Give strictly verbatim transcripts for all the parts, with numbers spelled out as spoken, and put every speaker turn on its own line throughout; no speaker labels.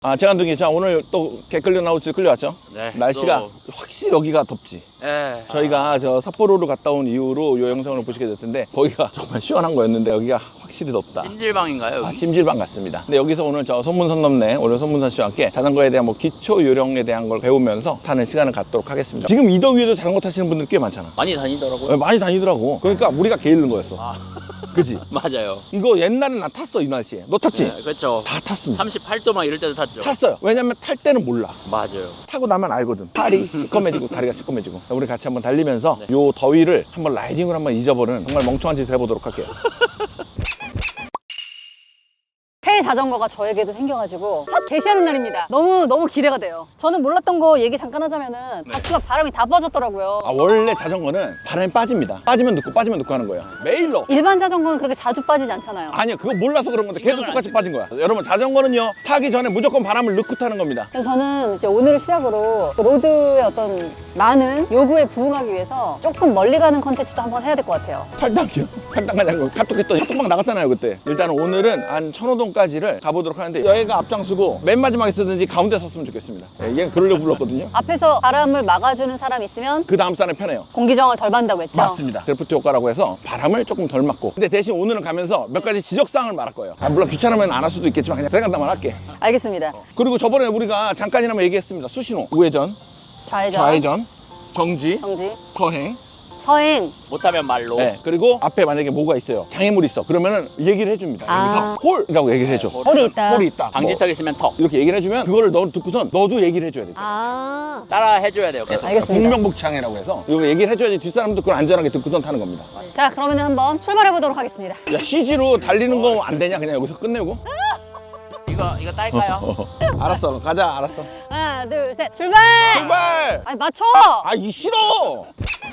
아, 재간둥이, 자, 오늘 또 개 끌려 나올지 끌려왔죠?
네.
날씨가
또...
확실히 여기가 덥지.
네.
저희가 저 삿포로를 갔다 온 이후로 이 영상을 보시게 될 텐데, 거기가 정말 시원한 거였는데, 여기가 확실히 덥다.
찜질방인가요, 여기?
아, 찜질방 같습니다. 근데 여기서 오늘 저 손문선 넘네, 오늘 손문선 씨와 함께 자전거에 대한 뭐 기초 요령에 대한 걸 배우면서 타는 시간을 갖도록 하겠습니다. 지금 이 더위에도 자전거 타시는 분들 꽤 많잖아.
많이 다니더라고요.
네, 많이 다니더라고. 그러니까 우리가 게으른 거였어.
아.
그지?
맞아요.
이거 옛날에 나 탔어, 이 날씨에. 너 탔지?
네, 그렇죠.
다 탔습니다.
삼십팔 도 막 이럴 때도 탔죠.
탔어요. 왜냐면 탈 때는 몰라.
맞아요.
타고 나면 알거든. 팔이 시꺼매지고 다리가 시꺼매지고. 우리 같이 한번 달리면서 네. 요 더위를 한번 라이딩을 한번 잊어버리는 정말 멍청한 짓을 해보도록 할게요.
새 자전거가 저에게도 생겨가지고 첫 개시하는 날입니다. 너무 너무 기대가 돼요. 저는 몰랐던 거 얘기 잠깐 하자면은
네.
바퀴가 바람이 다 빠졌더라고요.
아, 원래 자전거는 바람이 빠집니다. 빠지면 넣고 빠지면 넣고 하는 거예요. 매일 넣어.
일반 자전거는 그렇게 자주 빠지지 않잖아요.
아니요, 그거 몰라서 그런 건데 걔도 똑같이 빠진 거야. 여러분, 자전거는요, 타기 전에 무조건 바람을 넣고 타는 겁니다.
그래서 저는 이제 오늘을 시작으로 로드의 어떤 많은 요구에 부응하기 위해서 조금 멀리 가는 컨텐츠도 한번 해야 될 것 같아요.
팔당이요. 팔당 가자고 카톡했더니 카톡방 나갔잖아요, 그때. 일단 오늘은 한 천호동까지를 가보도록 하는데, 여기가 앞장서고 맨 마지막에 쓰든지 가운데 섰으면 좋겠습니다. 예, 얘는 그러려고 불렀거든요.
앞에서 바람을 막아주는 사람이 있으면
그 다음 사람이 편해요.
공기정을 덜 받는다고 했죠?
맞습니다. 드래프트 효과라고 해서 바람을 조금 덜 맞고, 근데 대신 오늘은 가면서 몇 가지 지적사항을 말할 거예요. 아, 물론 귀찮으면 안 할 수도 있겠지만 그냥 생각나만 할게.
알겠습니다.
그리고 저번에 우리가 잠깐이나마 얘기했습니다. 수신호, 우회전,
좌회전,
좌회전, 정지,
정지,
서행.
서행.
못하면 말로.
네, 그리고 앞에 만약에 뭐가 있어요, 장애물이 있어, 그러면은 얘기를 해줍니다.
아.
여기서 홀이라고 얘기를 해줘.
홀이 있다.
홀이 있다.
방지턱 있으면 턱.
뭐 이렇게 얘기를 해주면 그거를 너 듣고선 너도 얘기를 해줘야 돼.
아,
따라 해줘야 돼요. 계속.
알겠습니다.
공명복창해라고 해서 이거 얘기를 해줘야지 뒷사람도 그걸 안전하게 듣고선 타는 겁니다.
자, 그러면 한번 출발해 보도록 하겠습니다.
야, 씨지로 달리는 거 안 되냐? 그냥 여기서 끝내고?
이거 이거 딸까요?
알았어, 가자. 알았어.
하나, 둘, 셋, 출발!
출발!
아니, 맞춰!
아, 이 싫어.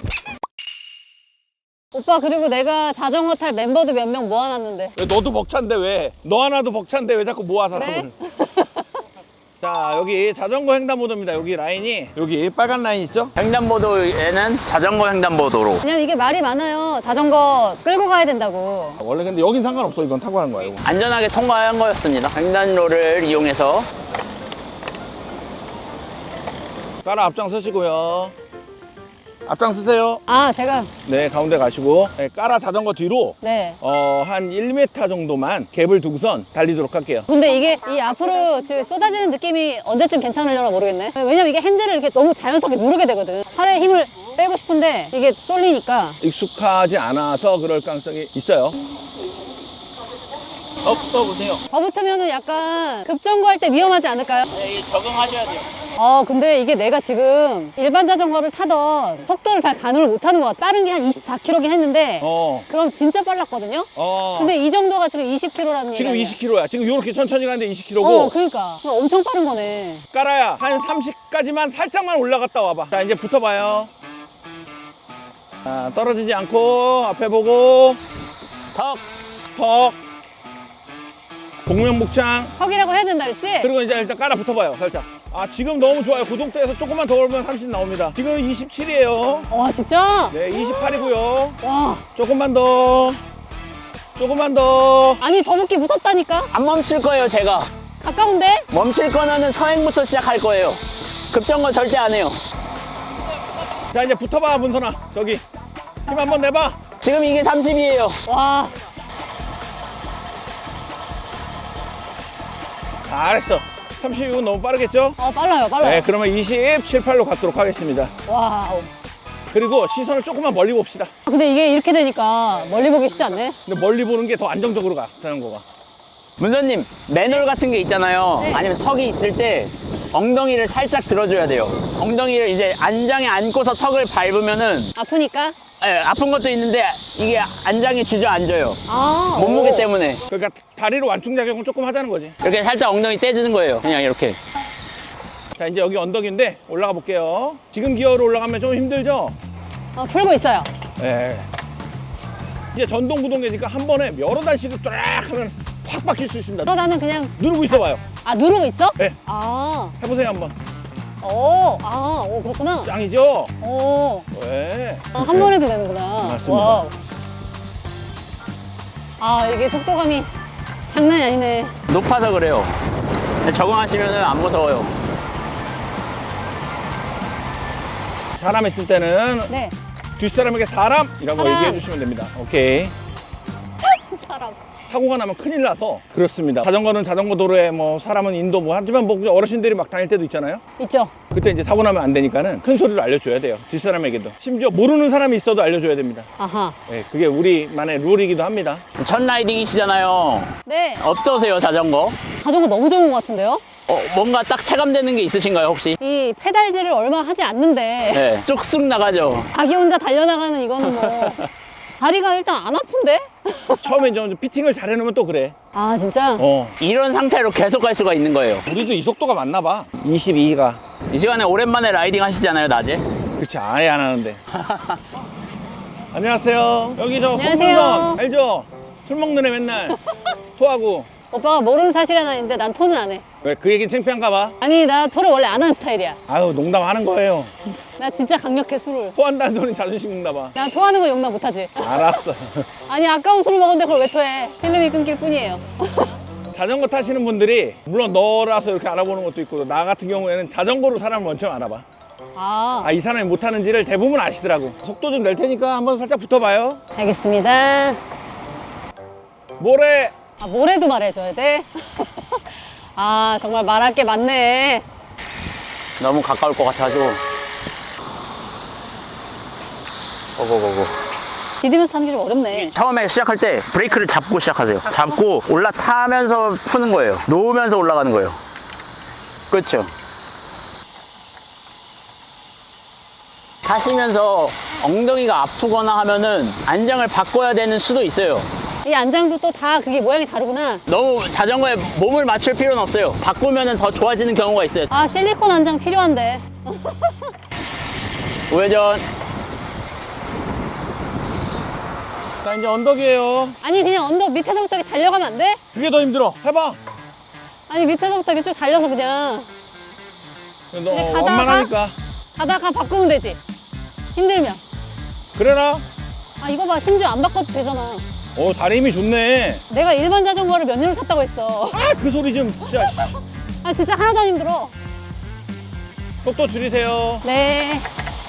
오빠, 그리고 내가 자전거 탈 멤버도 몇 명 모아놨는데.
왜 너도 벅찬데 왜? 너 하나도 벅찬데 왜 자꾸 모아 사람을?
그래?
자, 여기 자전거 횡단보도입니다. 여기 라인이, 여기 빨간 라인 있죠?
횡단보도에는 자전거 횡단보도로.
왜냐면 이게 말이 많아요. 자전거 끌고 가야 된다고.
원래 근데 여긴 상관없어. 이건 타고 하는 거야, 이거.
안전하게 통과한 거였습니다. 횡단로를 이용해서.
따라 앞장서시고요. 앞장서세요.
아, 제가,
네, 가운데 가시고. 네, 까라 자전거 뒤로
네.
어, 한 일 미터 정도만 갭을 두고선 달리도록 할게요.
근데 이게 이 앞으로 지금 쏟아지는 느낌이 언제쯤 괜찮으려나 모르겠네. 왜냐면 이게 핸들을 이렇게 너무 자연스럽게 누르게 되거든. 팔에 힘을 빼고 싶은데 이게 쏠리니까.
익숙하지 않아서 그럴 가능성이 있어요.
더 붙어보세요.
더 붙으면은 약간 급정거할 때 위험하지 않을까요?
네, 적응하셔야 돼요.
어, 근데 이게 내가 지금 일반 자전거를 타던 속도를 잘 가늠을 못하는 것 같아. 빠른 게 한 이십사 킬로미터긴 했는데
어,
그럼 진짜 빨랐거든요?
어.
근데 이 정도가 지금 이십 킬로미터라는 얘기
지금
아니야?
이십 킬로미터야. 지금 이렇게 천천히 가는데 이십 킬로미터고.
어, 그러니까. 그럼 엄청 빠른 거네.
까라야, 한 삼십까지만 살짝만 올라갔다 와봐. 자, 이제 붙어봐요. 자, 떨어지지 않고 앞에 보고
턱.
턱. 공명복창.
턱이라고 해야 된다 그랬지?
그리고 이제 일단 깔아 붙어봐요, 살짝. 아, 지금 너무 좋아요. 고속도에서 조금만 더 오르면 삼십 나옵니다. 지금 이십칠이에요.
와, 진짜?
네, 이십팔이고요.
와.
조금만 더. 조금만 더.
아니, 더 붙기 무섭다니까?
안 멈출 거예요, 제가.
가까운데?
멈출 거는 서행부터 시작할 거예요. 급정거 절대 안 해요.
자, 이제 붙어봐, 문선아. 저기. 힘 한번 내봐.
지금 이게 삼십이에요.
와.
잘했어. 삼십이면 너무 빠르겠죠?
어, 빨라요, 빨라요.
네, 그러면 이십칠, 팔로 갖도록 하겠습니다.
와우.
그리고 시선을 조금만 멀리 봅시다.
근데 이게 이렇게 되니까 멀리 보기 쉽지 않네.
근데 멀리 보는 게 더 안정적으로 가, 자전거가.
문선님, 맨홀 같은 게 있잖아요.
네.
아니면 턱이 있을 때 엉덩이를 살짝 들어줘야 돼요. 엉덩이를 이제 안장에 안고서 턱을 밟으면은
아프니까?
예, 아픈 것도 있는데 이게 안장이 주저앉아요.
아.
몸무게
오.
때문에.
그러니까 다리로 완충작용을 조금 하자는 거지.
이렇게 살짝 엉덩이 떼주는 거예요. 그냥 이렇게.
자, 이제 여기 언덕인데 올라가 볼게요. 지금 기어로 올라가면 좀 힘들죠?
어, 풀고 있어요.
네. 이제 전동구동계니까 한 번에 여러 단씩을 쫙 하면 확 바뀔 수 있습니다.
그럼 나는 그냥,
누르고 있어봐요.
아, 누르고 있어?
네.
아.
해보세요, 한번.
오, 아, 오, 그렇구나.
짱이죠?
오.
네.
아, 한 번 해도 되는구나.
맞습니다.
와우. 아, 이게 속도감이 장난이 아니네.
높아서 그래요. 적응하시면 안 무서워요.
사람 있을 때는
네.
뒷사람에게 사람이라고
사람.
얘기해 주시면 됩니다. 오케이.
사람.
사고가 나면 큰일 나서 그렇습니다. 자전거는 자전거 도로에 뭐 사람은 인도 뭐 하지만 뭐 그냥 어르신들이 막 다닐 때도 있잖아요.
있죠?
그때 이제 사고 나면 안 되니까는 큰 소리로 알려줘야 돼요. 뒷사람에게도. 심지어 모르는 사람이 있어도 알려줘야 됩니다.
아하.
네, 그게 우리만의 룰이기도 합니다.
첫 라이딩이시잖아요.
네.
어떠세요, 자전거?
자전거 너무 좋은 것 같은데요?
어, 뭔가 딱 체감되는 게 있으신가요, 혹시?
이 페달질을 얼마 하지 않는데
네, 쑥쑥 나가죠.
자기 혼자 달려나가는 이거는 뭐 다리가 일단 안 아픈데?
처음에 좀 피팅을 잘 해놓으면 또 그래.
아 진짜?
어.
이런 상태로 계속 갈 수가 있는 거예요.
우리도 이 속도가 맞나 봐. 이십이가.
이 시간에 오랜만에 라이딩 하시잖아요, 낮에.
그치, 아예 안 하는데. 안녕하세요. 여기 저
안녕하세요.
송문선 알죠? 술 먹는 애 맨날 토하고.
오빠가 모르는 사실 하나 있는데 난 토는 안 해.
왜 그 얘기는 창피한가 봐?
아니 나 토를 원래 안 하는 스타일이야.
아유, 농담하는 거예요.
나 진짜 강력해 술을.
토한다는 소리는 자존심 먹나 봐.
나 토하는 거 용납 못하지.
알았어.
아니 아까운 술을 먹었는데 그걸 왜 토해. 필름이 끊길 뿐이에요.
자전거 타시는 분들이 물론 너라서 이렇게 알아보는 것도 있고 나 같은 경우에는 자전거로 사람을 먼저 알아봐.
아
아, 이 사람이 못하는지를 대부분 아시더라고. 속도 좀 낼 테니까 한번 살짝 붙어봐요.
알겠습니다.
모래.
아 뭐래도 말해줘야 돼? 아 정말 말할 게 많네.
너무 가까울 것 같아가지고. 고고고고.
디디면서 타는 게 좀 어렵네.
처음에 시작할 때 브레이크를 잡고 시작하세요. 잡고 올라타면서 푸는 거예요. 놓으면서 올라가는 거예요. 그렇죠. 타시면서 엉덩이가 아프거나 하면은 안장을 바꿔야 되는 수도 있어요.
이 안장도 또 다 그게 모양이 다르구나.
너무 자전거에 몸을 맞출 필요는 없어요. 바꾸면은 더 좋아지는 경우가 있어요.
아 실리콘 안장 필요한데.
우회전.
자, 이제 언덕이에요.
아니 그냥 언덕 밑에서부터 이렇게 달려가면 안 돼?
그게 더 힘들어. 해봐.
아니 밑에서부터 이렇게 쭉 달려서 그냥
너
이제 가다가?
완만하니까.
가다가 바꾸면 되지. 힘들면.
그래라.
아 이거 봐 심지어 안 바꿔도 되잖아.
오, 다리 힘이 좋네.
내가 일반 자전거를 몇 년을 탔다고 했어.
아, 그 소리 좀 진짜.
아 진짜 하나도 안 힘들어.
속도 줄이세요.
네.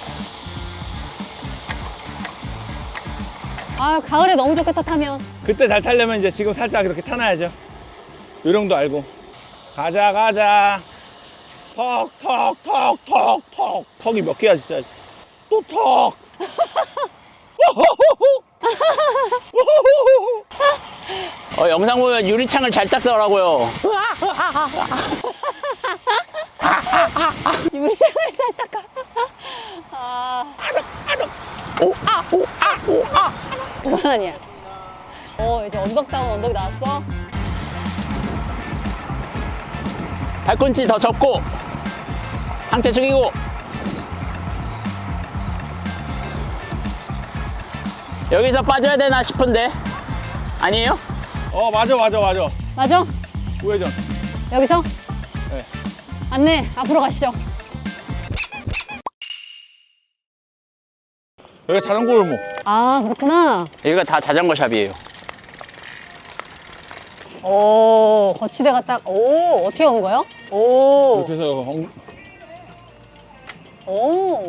아 가을에 너무 좋겠다 타면.
그때 잘 타려면 이제 지금 살짝 이렇게 타놔야죠. 요령도 알고. 가자, 가자. 턱, 턱, 턱, 턱, 턱. 턱이 몇 개야, 진짜. 또 턱.
어, 영상 보면 유리창을 잘 닦더라고요.
유리창을 잘 닦아. 아.
오, 아, 오, 아, 오, 아.
그만 아니야. 어 이제 언덕다운 언덕이 나왔어.
발꿈치 더 접고 상체 숙이고 여기서 빠져야 되나 싶은데 아니에요?
어, 맞아, 맞아, 맞아.
맞아?
우회전.
여기서?
네.
안내 앞으로 가시죠.
여기 자전거 골목.
아 그렇구나.
여기가 다 자전거 샵이에요.
오 거치대가 딱. 오 어떻게 오는 거예요? 오.
이렇게 해서 엉...
오.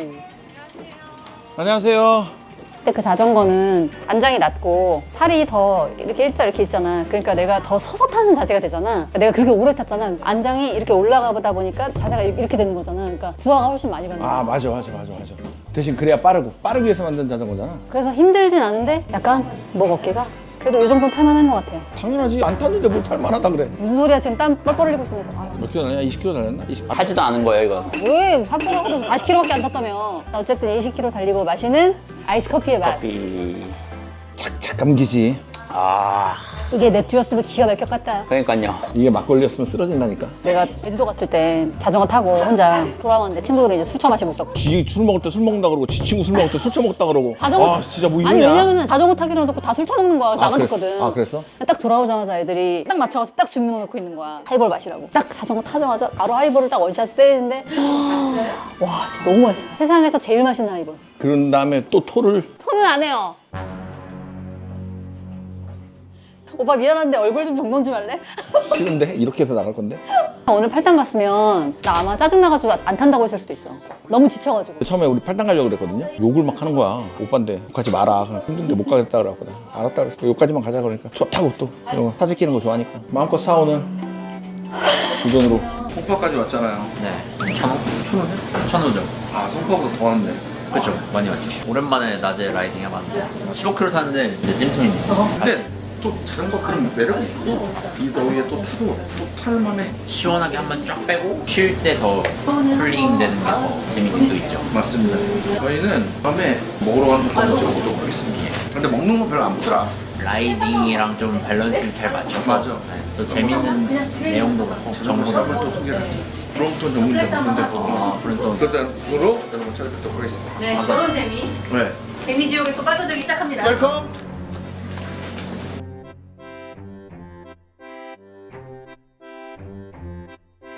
안녕하세요.
근데 그 자전거는 안장이 낮고 팔이 더 이렇게 일자 이렇게 있잖아. 그러니까 내가 더 서서 타는 자세가 되잖아. 내가 그렇게 오래 탔잖아. 안장이 이렇게 올라가다 보니까 자세가 이렇게 되는 거잖아. 그러니까 부하가 훨씬 많이 받는
아,
거지.
맞아, 맞아, 맞아, 맞아. 대신 그래야 빠르고. 빠르기 위해서 만든 자전거잖아.
그래서 힘들진 않은데 약간 목 어깨가 그래도 이 정도는 탈만한 것 같아요.
당연하지. 안 탔는데 뭘 탈만하다 그래.
무슨 소리야 지금 땀 뻘뻘 흘리고 있으면서. 아,
몇 킬로 달렸나? 이십 킬로 달렸나? 이십...
타지도 않은 거예요, 이건.
왜 삿포로도 사십 킬로미터밖에 안 탔다며. 어쨌든 이십 킬로미터 달리고 마시는 아이스 커피의 맛.
커피.
착착 감기지.
아,
이게 맥주였으면 기가 막혔겠다.
그러니까요.
이게 막걸리였으면 쓰러진다니까.
내가 제주도 갔을 때 자전거 타고 혼자 돌아왔는데 친구들이 이제 술 처마시고 있었고.
지 술 먹을 때 술 먹는다 그러고 지 친구 술 먹을 때 술 처먹다 그러고.
자전거
아, 진짜 뭐 이러냐.
아니 왜냐면은 자전거 타기로 해놓고 다 술 처먹는 거야.
아,
나만
그랬-
탔거든.
아, 그랬어?
딱 돌아오자마자 애들이 딱 맞춰가지고 딱 주문해 놓고 있는 거야. 하이볼 마시라고. 딱 자전거 타자마자 바로 하이볼을 딱 원샷 때리는데 와 진짜 너무 맛있어. 세상에서 제일 맛있는 하이볼.
그런 다음에 또 토를.
손은 안 해요. 오빠 미안한데 얼굴 좀 정돈 좀 할래?
싫은데? 이렇게 해서 나갈 건데?
오늘 팔당 갔으면 나 아마 짜증나가지고 안 탄다고 했을 수도 있어. 너무 지쳐가지고.
처음에 우리 팔당 가려고 그랬거든요. 욕을 막 하는 거야. 오빠인데 가지 마라. 그냥 힘든데 못 가겠다 그래갖거든. 알았다 그랬어. 여기까지만 가자 그러니까 좋다고 또 이런 거 사진 끼는 거 좋아하니까 마음껏 사 오늘 그 돈으로.
송파까지 왔잖아요.
네. 천 원?
천 원이요?
천오죠.
아, 송파보다 더 왔네.
그렇죠. 많이 왔죠. 오랜만에 낮에 라이딩 해봤는데 십오 킬로미터 탔는데 이제 찜통이네.
근데 또 자전거 그런 매력이 있어. 이 더위에 또 타도 또 탈만해.
시원하게 한번 쫙 빼고 쉴 때 더 쿨링 되는 게 더 재밌긴 또 있죠.
맞습니다. 저희는 밤에 먹으러 가는 거 먼저 보도록 하겠습니다. 근데 먹는 거 별로 안 보더라.
라이딩이랑 좀 밸런스를 잘 맞춰서
맞아.
네, 또 재밌는 내용도 많고
정보
정보도
삽을 또 소개를 하죠. 브롬톤 전문점 군대 보고
아, 브롬톤.
그런 으로 여러분 찾아뵙도록 하겠습니다.
네, 그런 재미.
네.
개미지옥에 또 빠져들기 시작합니다.
셀컴.